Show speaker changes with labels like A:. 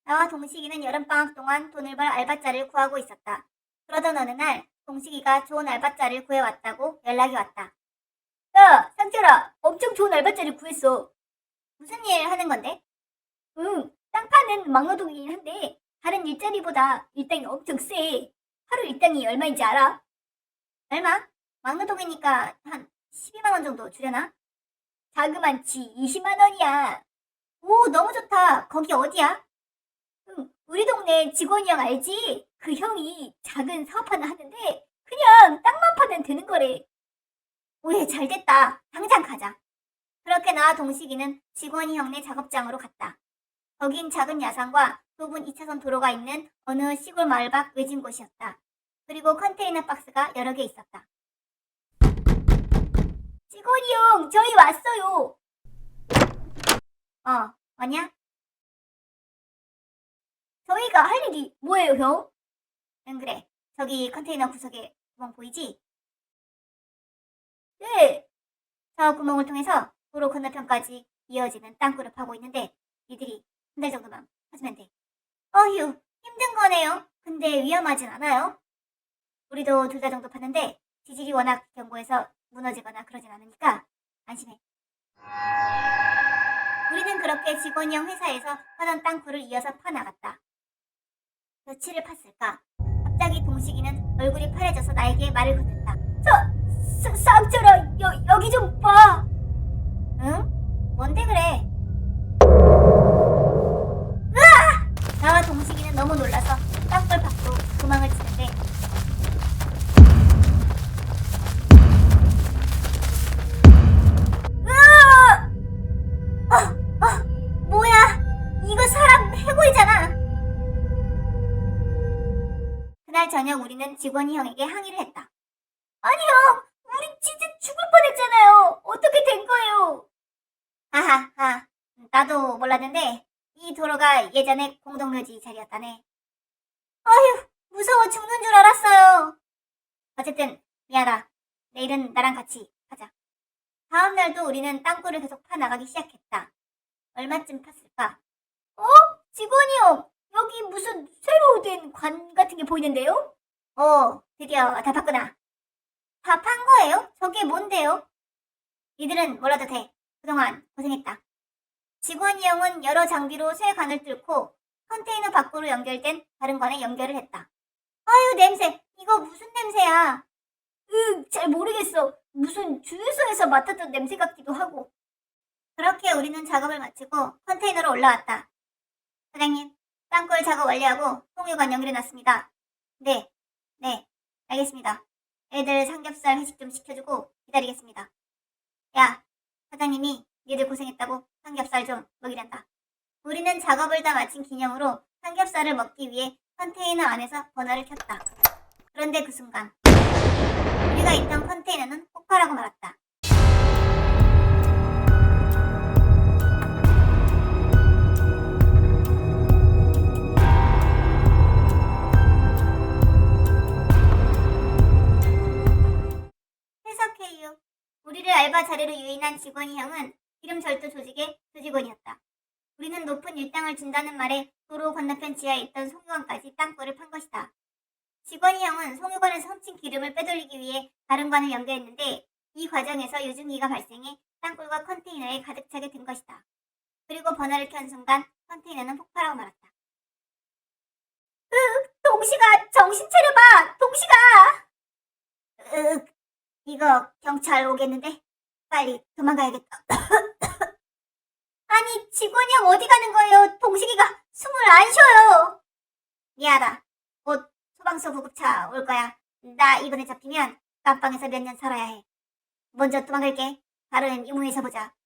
A: 나와 동식이는 여름방학 동안 돈을 벌 알바자를 구하고 있었다. 그러던 어느 날 동식이가 좋은 알바자를 구해왔다고 연락이 왔다. 야, 상철아, 엄청 좋은 알바자를 구했어. 무슨 일 하는 건데? 응, 땅 파는 막노동이긴 한데 다른 일자리보다 일당이 엄청 세. 하루 일당이 얼마인지 알아? 얼마? 막노동이니까 한 12만 원 정도 주려나? 자그만치 20만 원이야. 오, 너무 좋다. 거기 어디야? 응, 우리 동네 직원이 형 알지? 그 형이 작은 사업 하나 하는데 그냥 땅만 파면 되는 거래. 오예, 잘 됐다. 당장 가자. 그렇게 나와 동식이는 직원이 형네 작업장으로 갔다. 거긴 작은 야산과 좁은 2차선 도로가 있는 어느 시골 마을 밖 외진 곳이었다. 그리고 컨테이너 박스가 여러 개 있었다. 직원이 형, 저희 왔어요. 왔냐? 저희가 할 일이 뭐예요, 형? 응, 그래. 저기 컨테이너 구석에 구멍 보이지? 네. 저 구멍을 통해서 도로 건너편까지 이어지는 땅굴을 파고 있는데 니들이 한 달 정도만 파주면 돼. 어휴, 힘든 거네요. 근데 위험하진 않아요. 우리도 2달 정도 팠는데 지질이 워낙 견고해서 무너지거나 그러진 않으니까 안심해. 우리는 그렇게 직원이 형 회사에서 파던 땅굴을 이어서 파나갔다. 며칠을 팠을까? 갑자기 동식이는 얼굴이 파래져서 나에게 말을 건넸다. 쌍철아, 여기 좀 봐. 응? 뭔데 그래? 으아! 나와 동식이는 너무 놀라서 땅굴 밖으로 도망을 치는데 으아! 뭐야? 이거 사람 해골이잖아. 그날 저녁 우리는 직원이 형에게 항의를 했다. 아니 형, 우리 진짜 죽을 뻔했잖아요. 어떻게 된 거예요? 하하하, 나도 몰랐는데 이 도로가 예전에 공동묘지 자리였다네. 아휴, 무서워 죽는 줄 알았어요. 어쨌든 미안하다. 내일은 나랑 같이 하자. 다음 날도 우리는 땅굴을 계속 파나가기 시작했다. 얼마쯤 팠을까? 어? 직원이 형, 여기 무슨 새로 된 관 같은 게 보이는데요? 드디어 다 팠구나. 다 판 거예요? 저게 뭔데요? 니들은 몰라도 돼. 그동안 고생했다. 직원이 형은 여러 장비로 새 관을 뚫고 컨테이너 밖으로 연결된 다른 관에 연결을 했다. 아유, 냄새. 이거 무슨 냄새야? 잘 모르겠어. 무슨 주유소에서 맡았던 냄새 같기도 하고. 그렇게 우리는 작업을 마치고 컨테이너로 올라왔다. 사장님, 땅굴 작업 완료하고 통유관 연결해놨습니다. 네, 알겠습니다. 애들 삼겹살 회식 좀 시켜주고 기다리겠습니다. 야, 사장님이 니들 고생했다고 삼겹살 좀 먹이란다. 우리는 작업을 다 마친 기념으로 삼겹살을 먹기 위해 컨테이너 안에서 버너를 켰다. 그런데 그 순간 우리가 있던 컨테이너는 폭발하고 말았다. 해석해요. 우리를 알바 자리로 유인한 직원이 형은 기름 절도 조직의 조직원이었다. 우리는 높은 일당을 준다는 말에 도로 건너편 지하에 있던 송유관까지 땅굴을 판 것이다. 직원이 형은 송유관에서 훔친 기름을 빼돌리기 위해 다른 관을 연결했는데 이 과정에서 유증기가 발생해 땅굴과 컨테이너에 가득 차게 된 것이다. 그리고 버너를 켠 순간 컨테이너는 폭발하고 말았다. 동식아, 정신 차려봐! 동식아! 이거 경찰 오겠는데? 빨리 도망가야겠다. 아니, 직원이 형 어디 가는 거예요? 동식이가 숨을 안 쉬어요. 미안하다. 곧 소방서 구급차 올 거야. 나 이번에 잡히면 깜빵에서 몇 년 살아야 해. 먼저 도망갈게. 다른 유무에서 보자.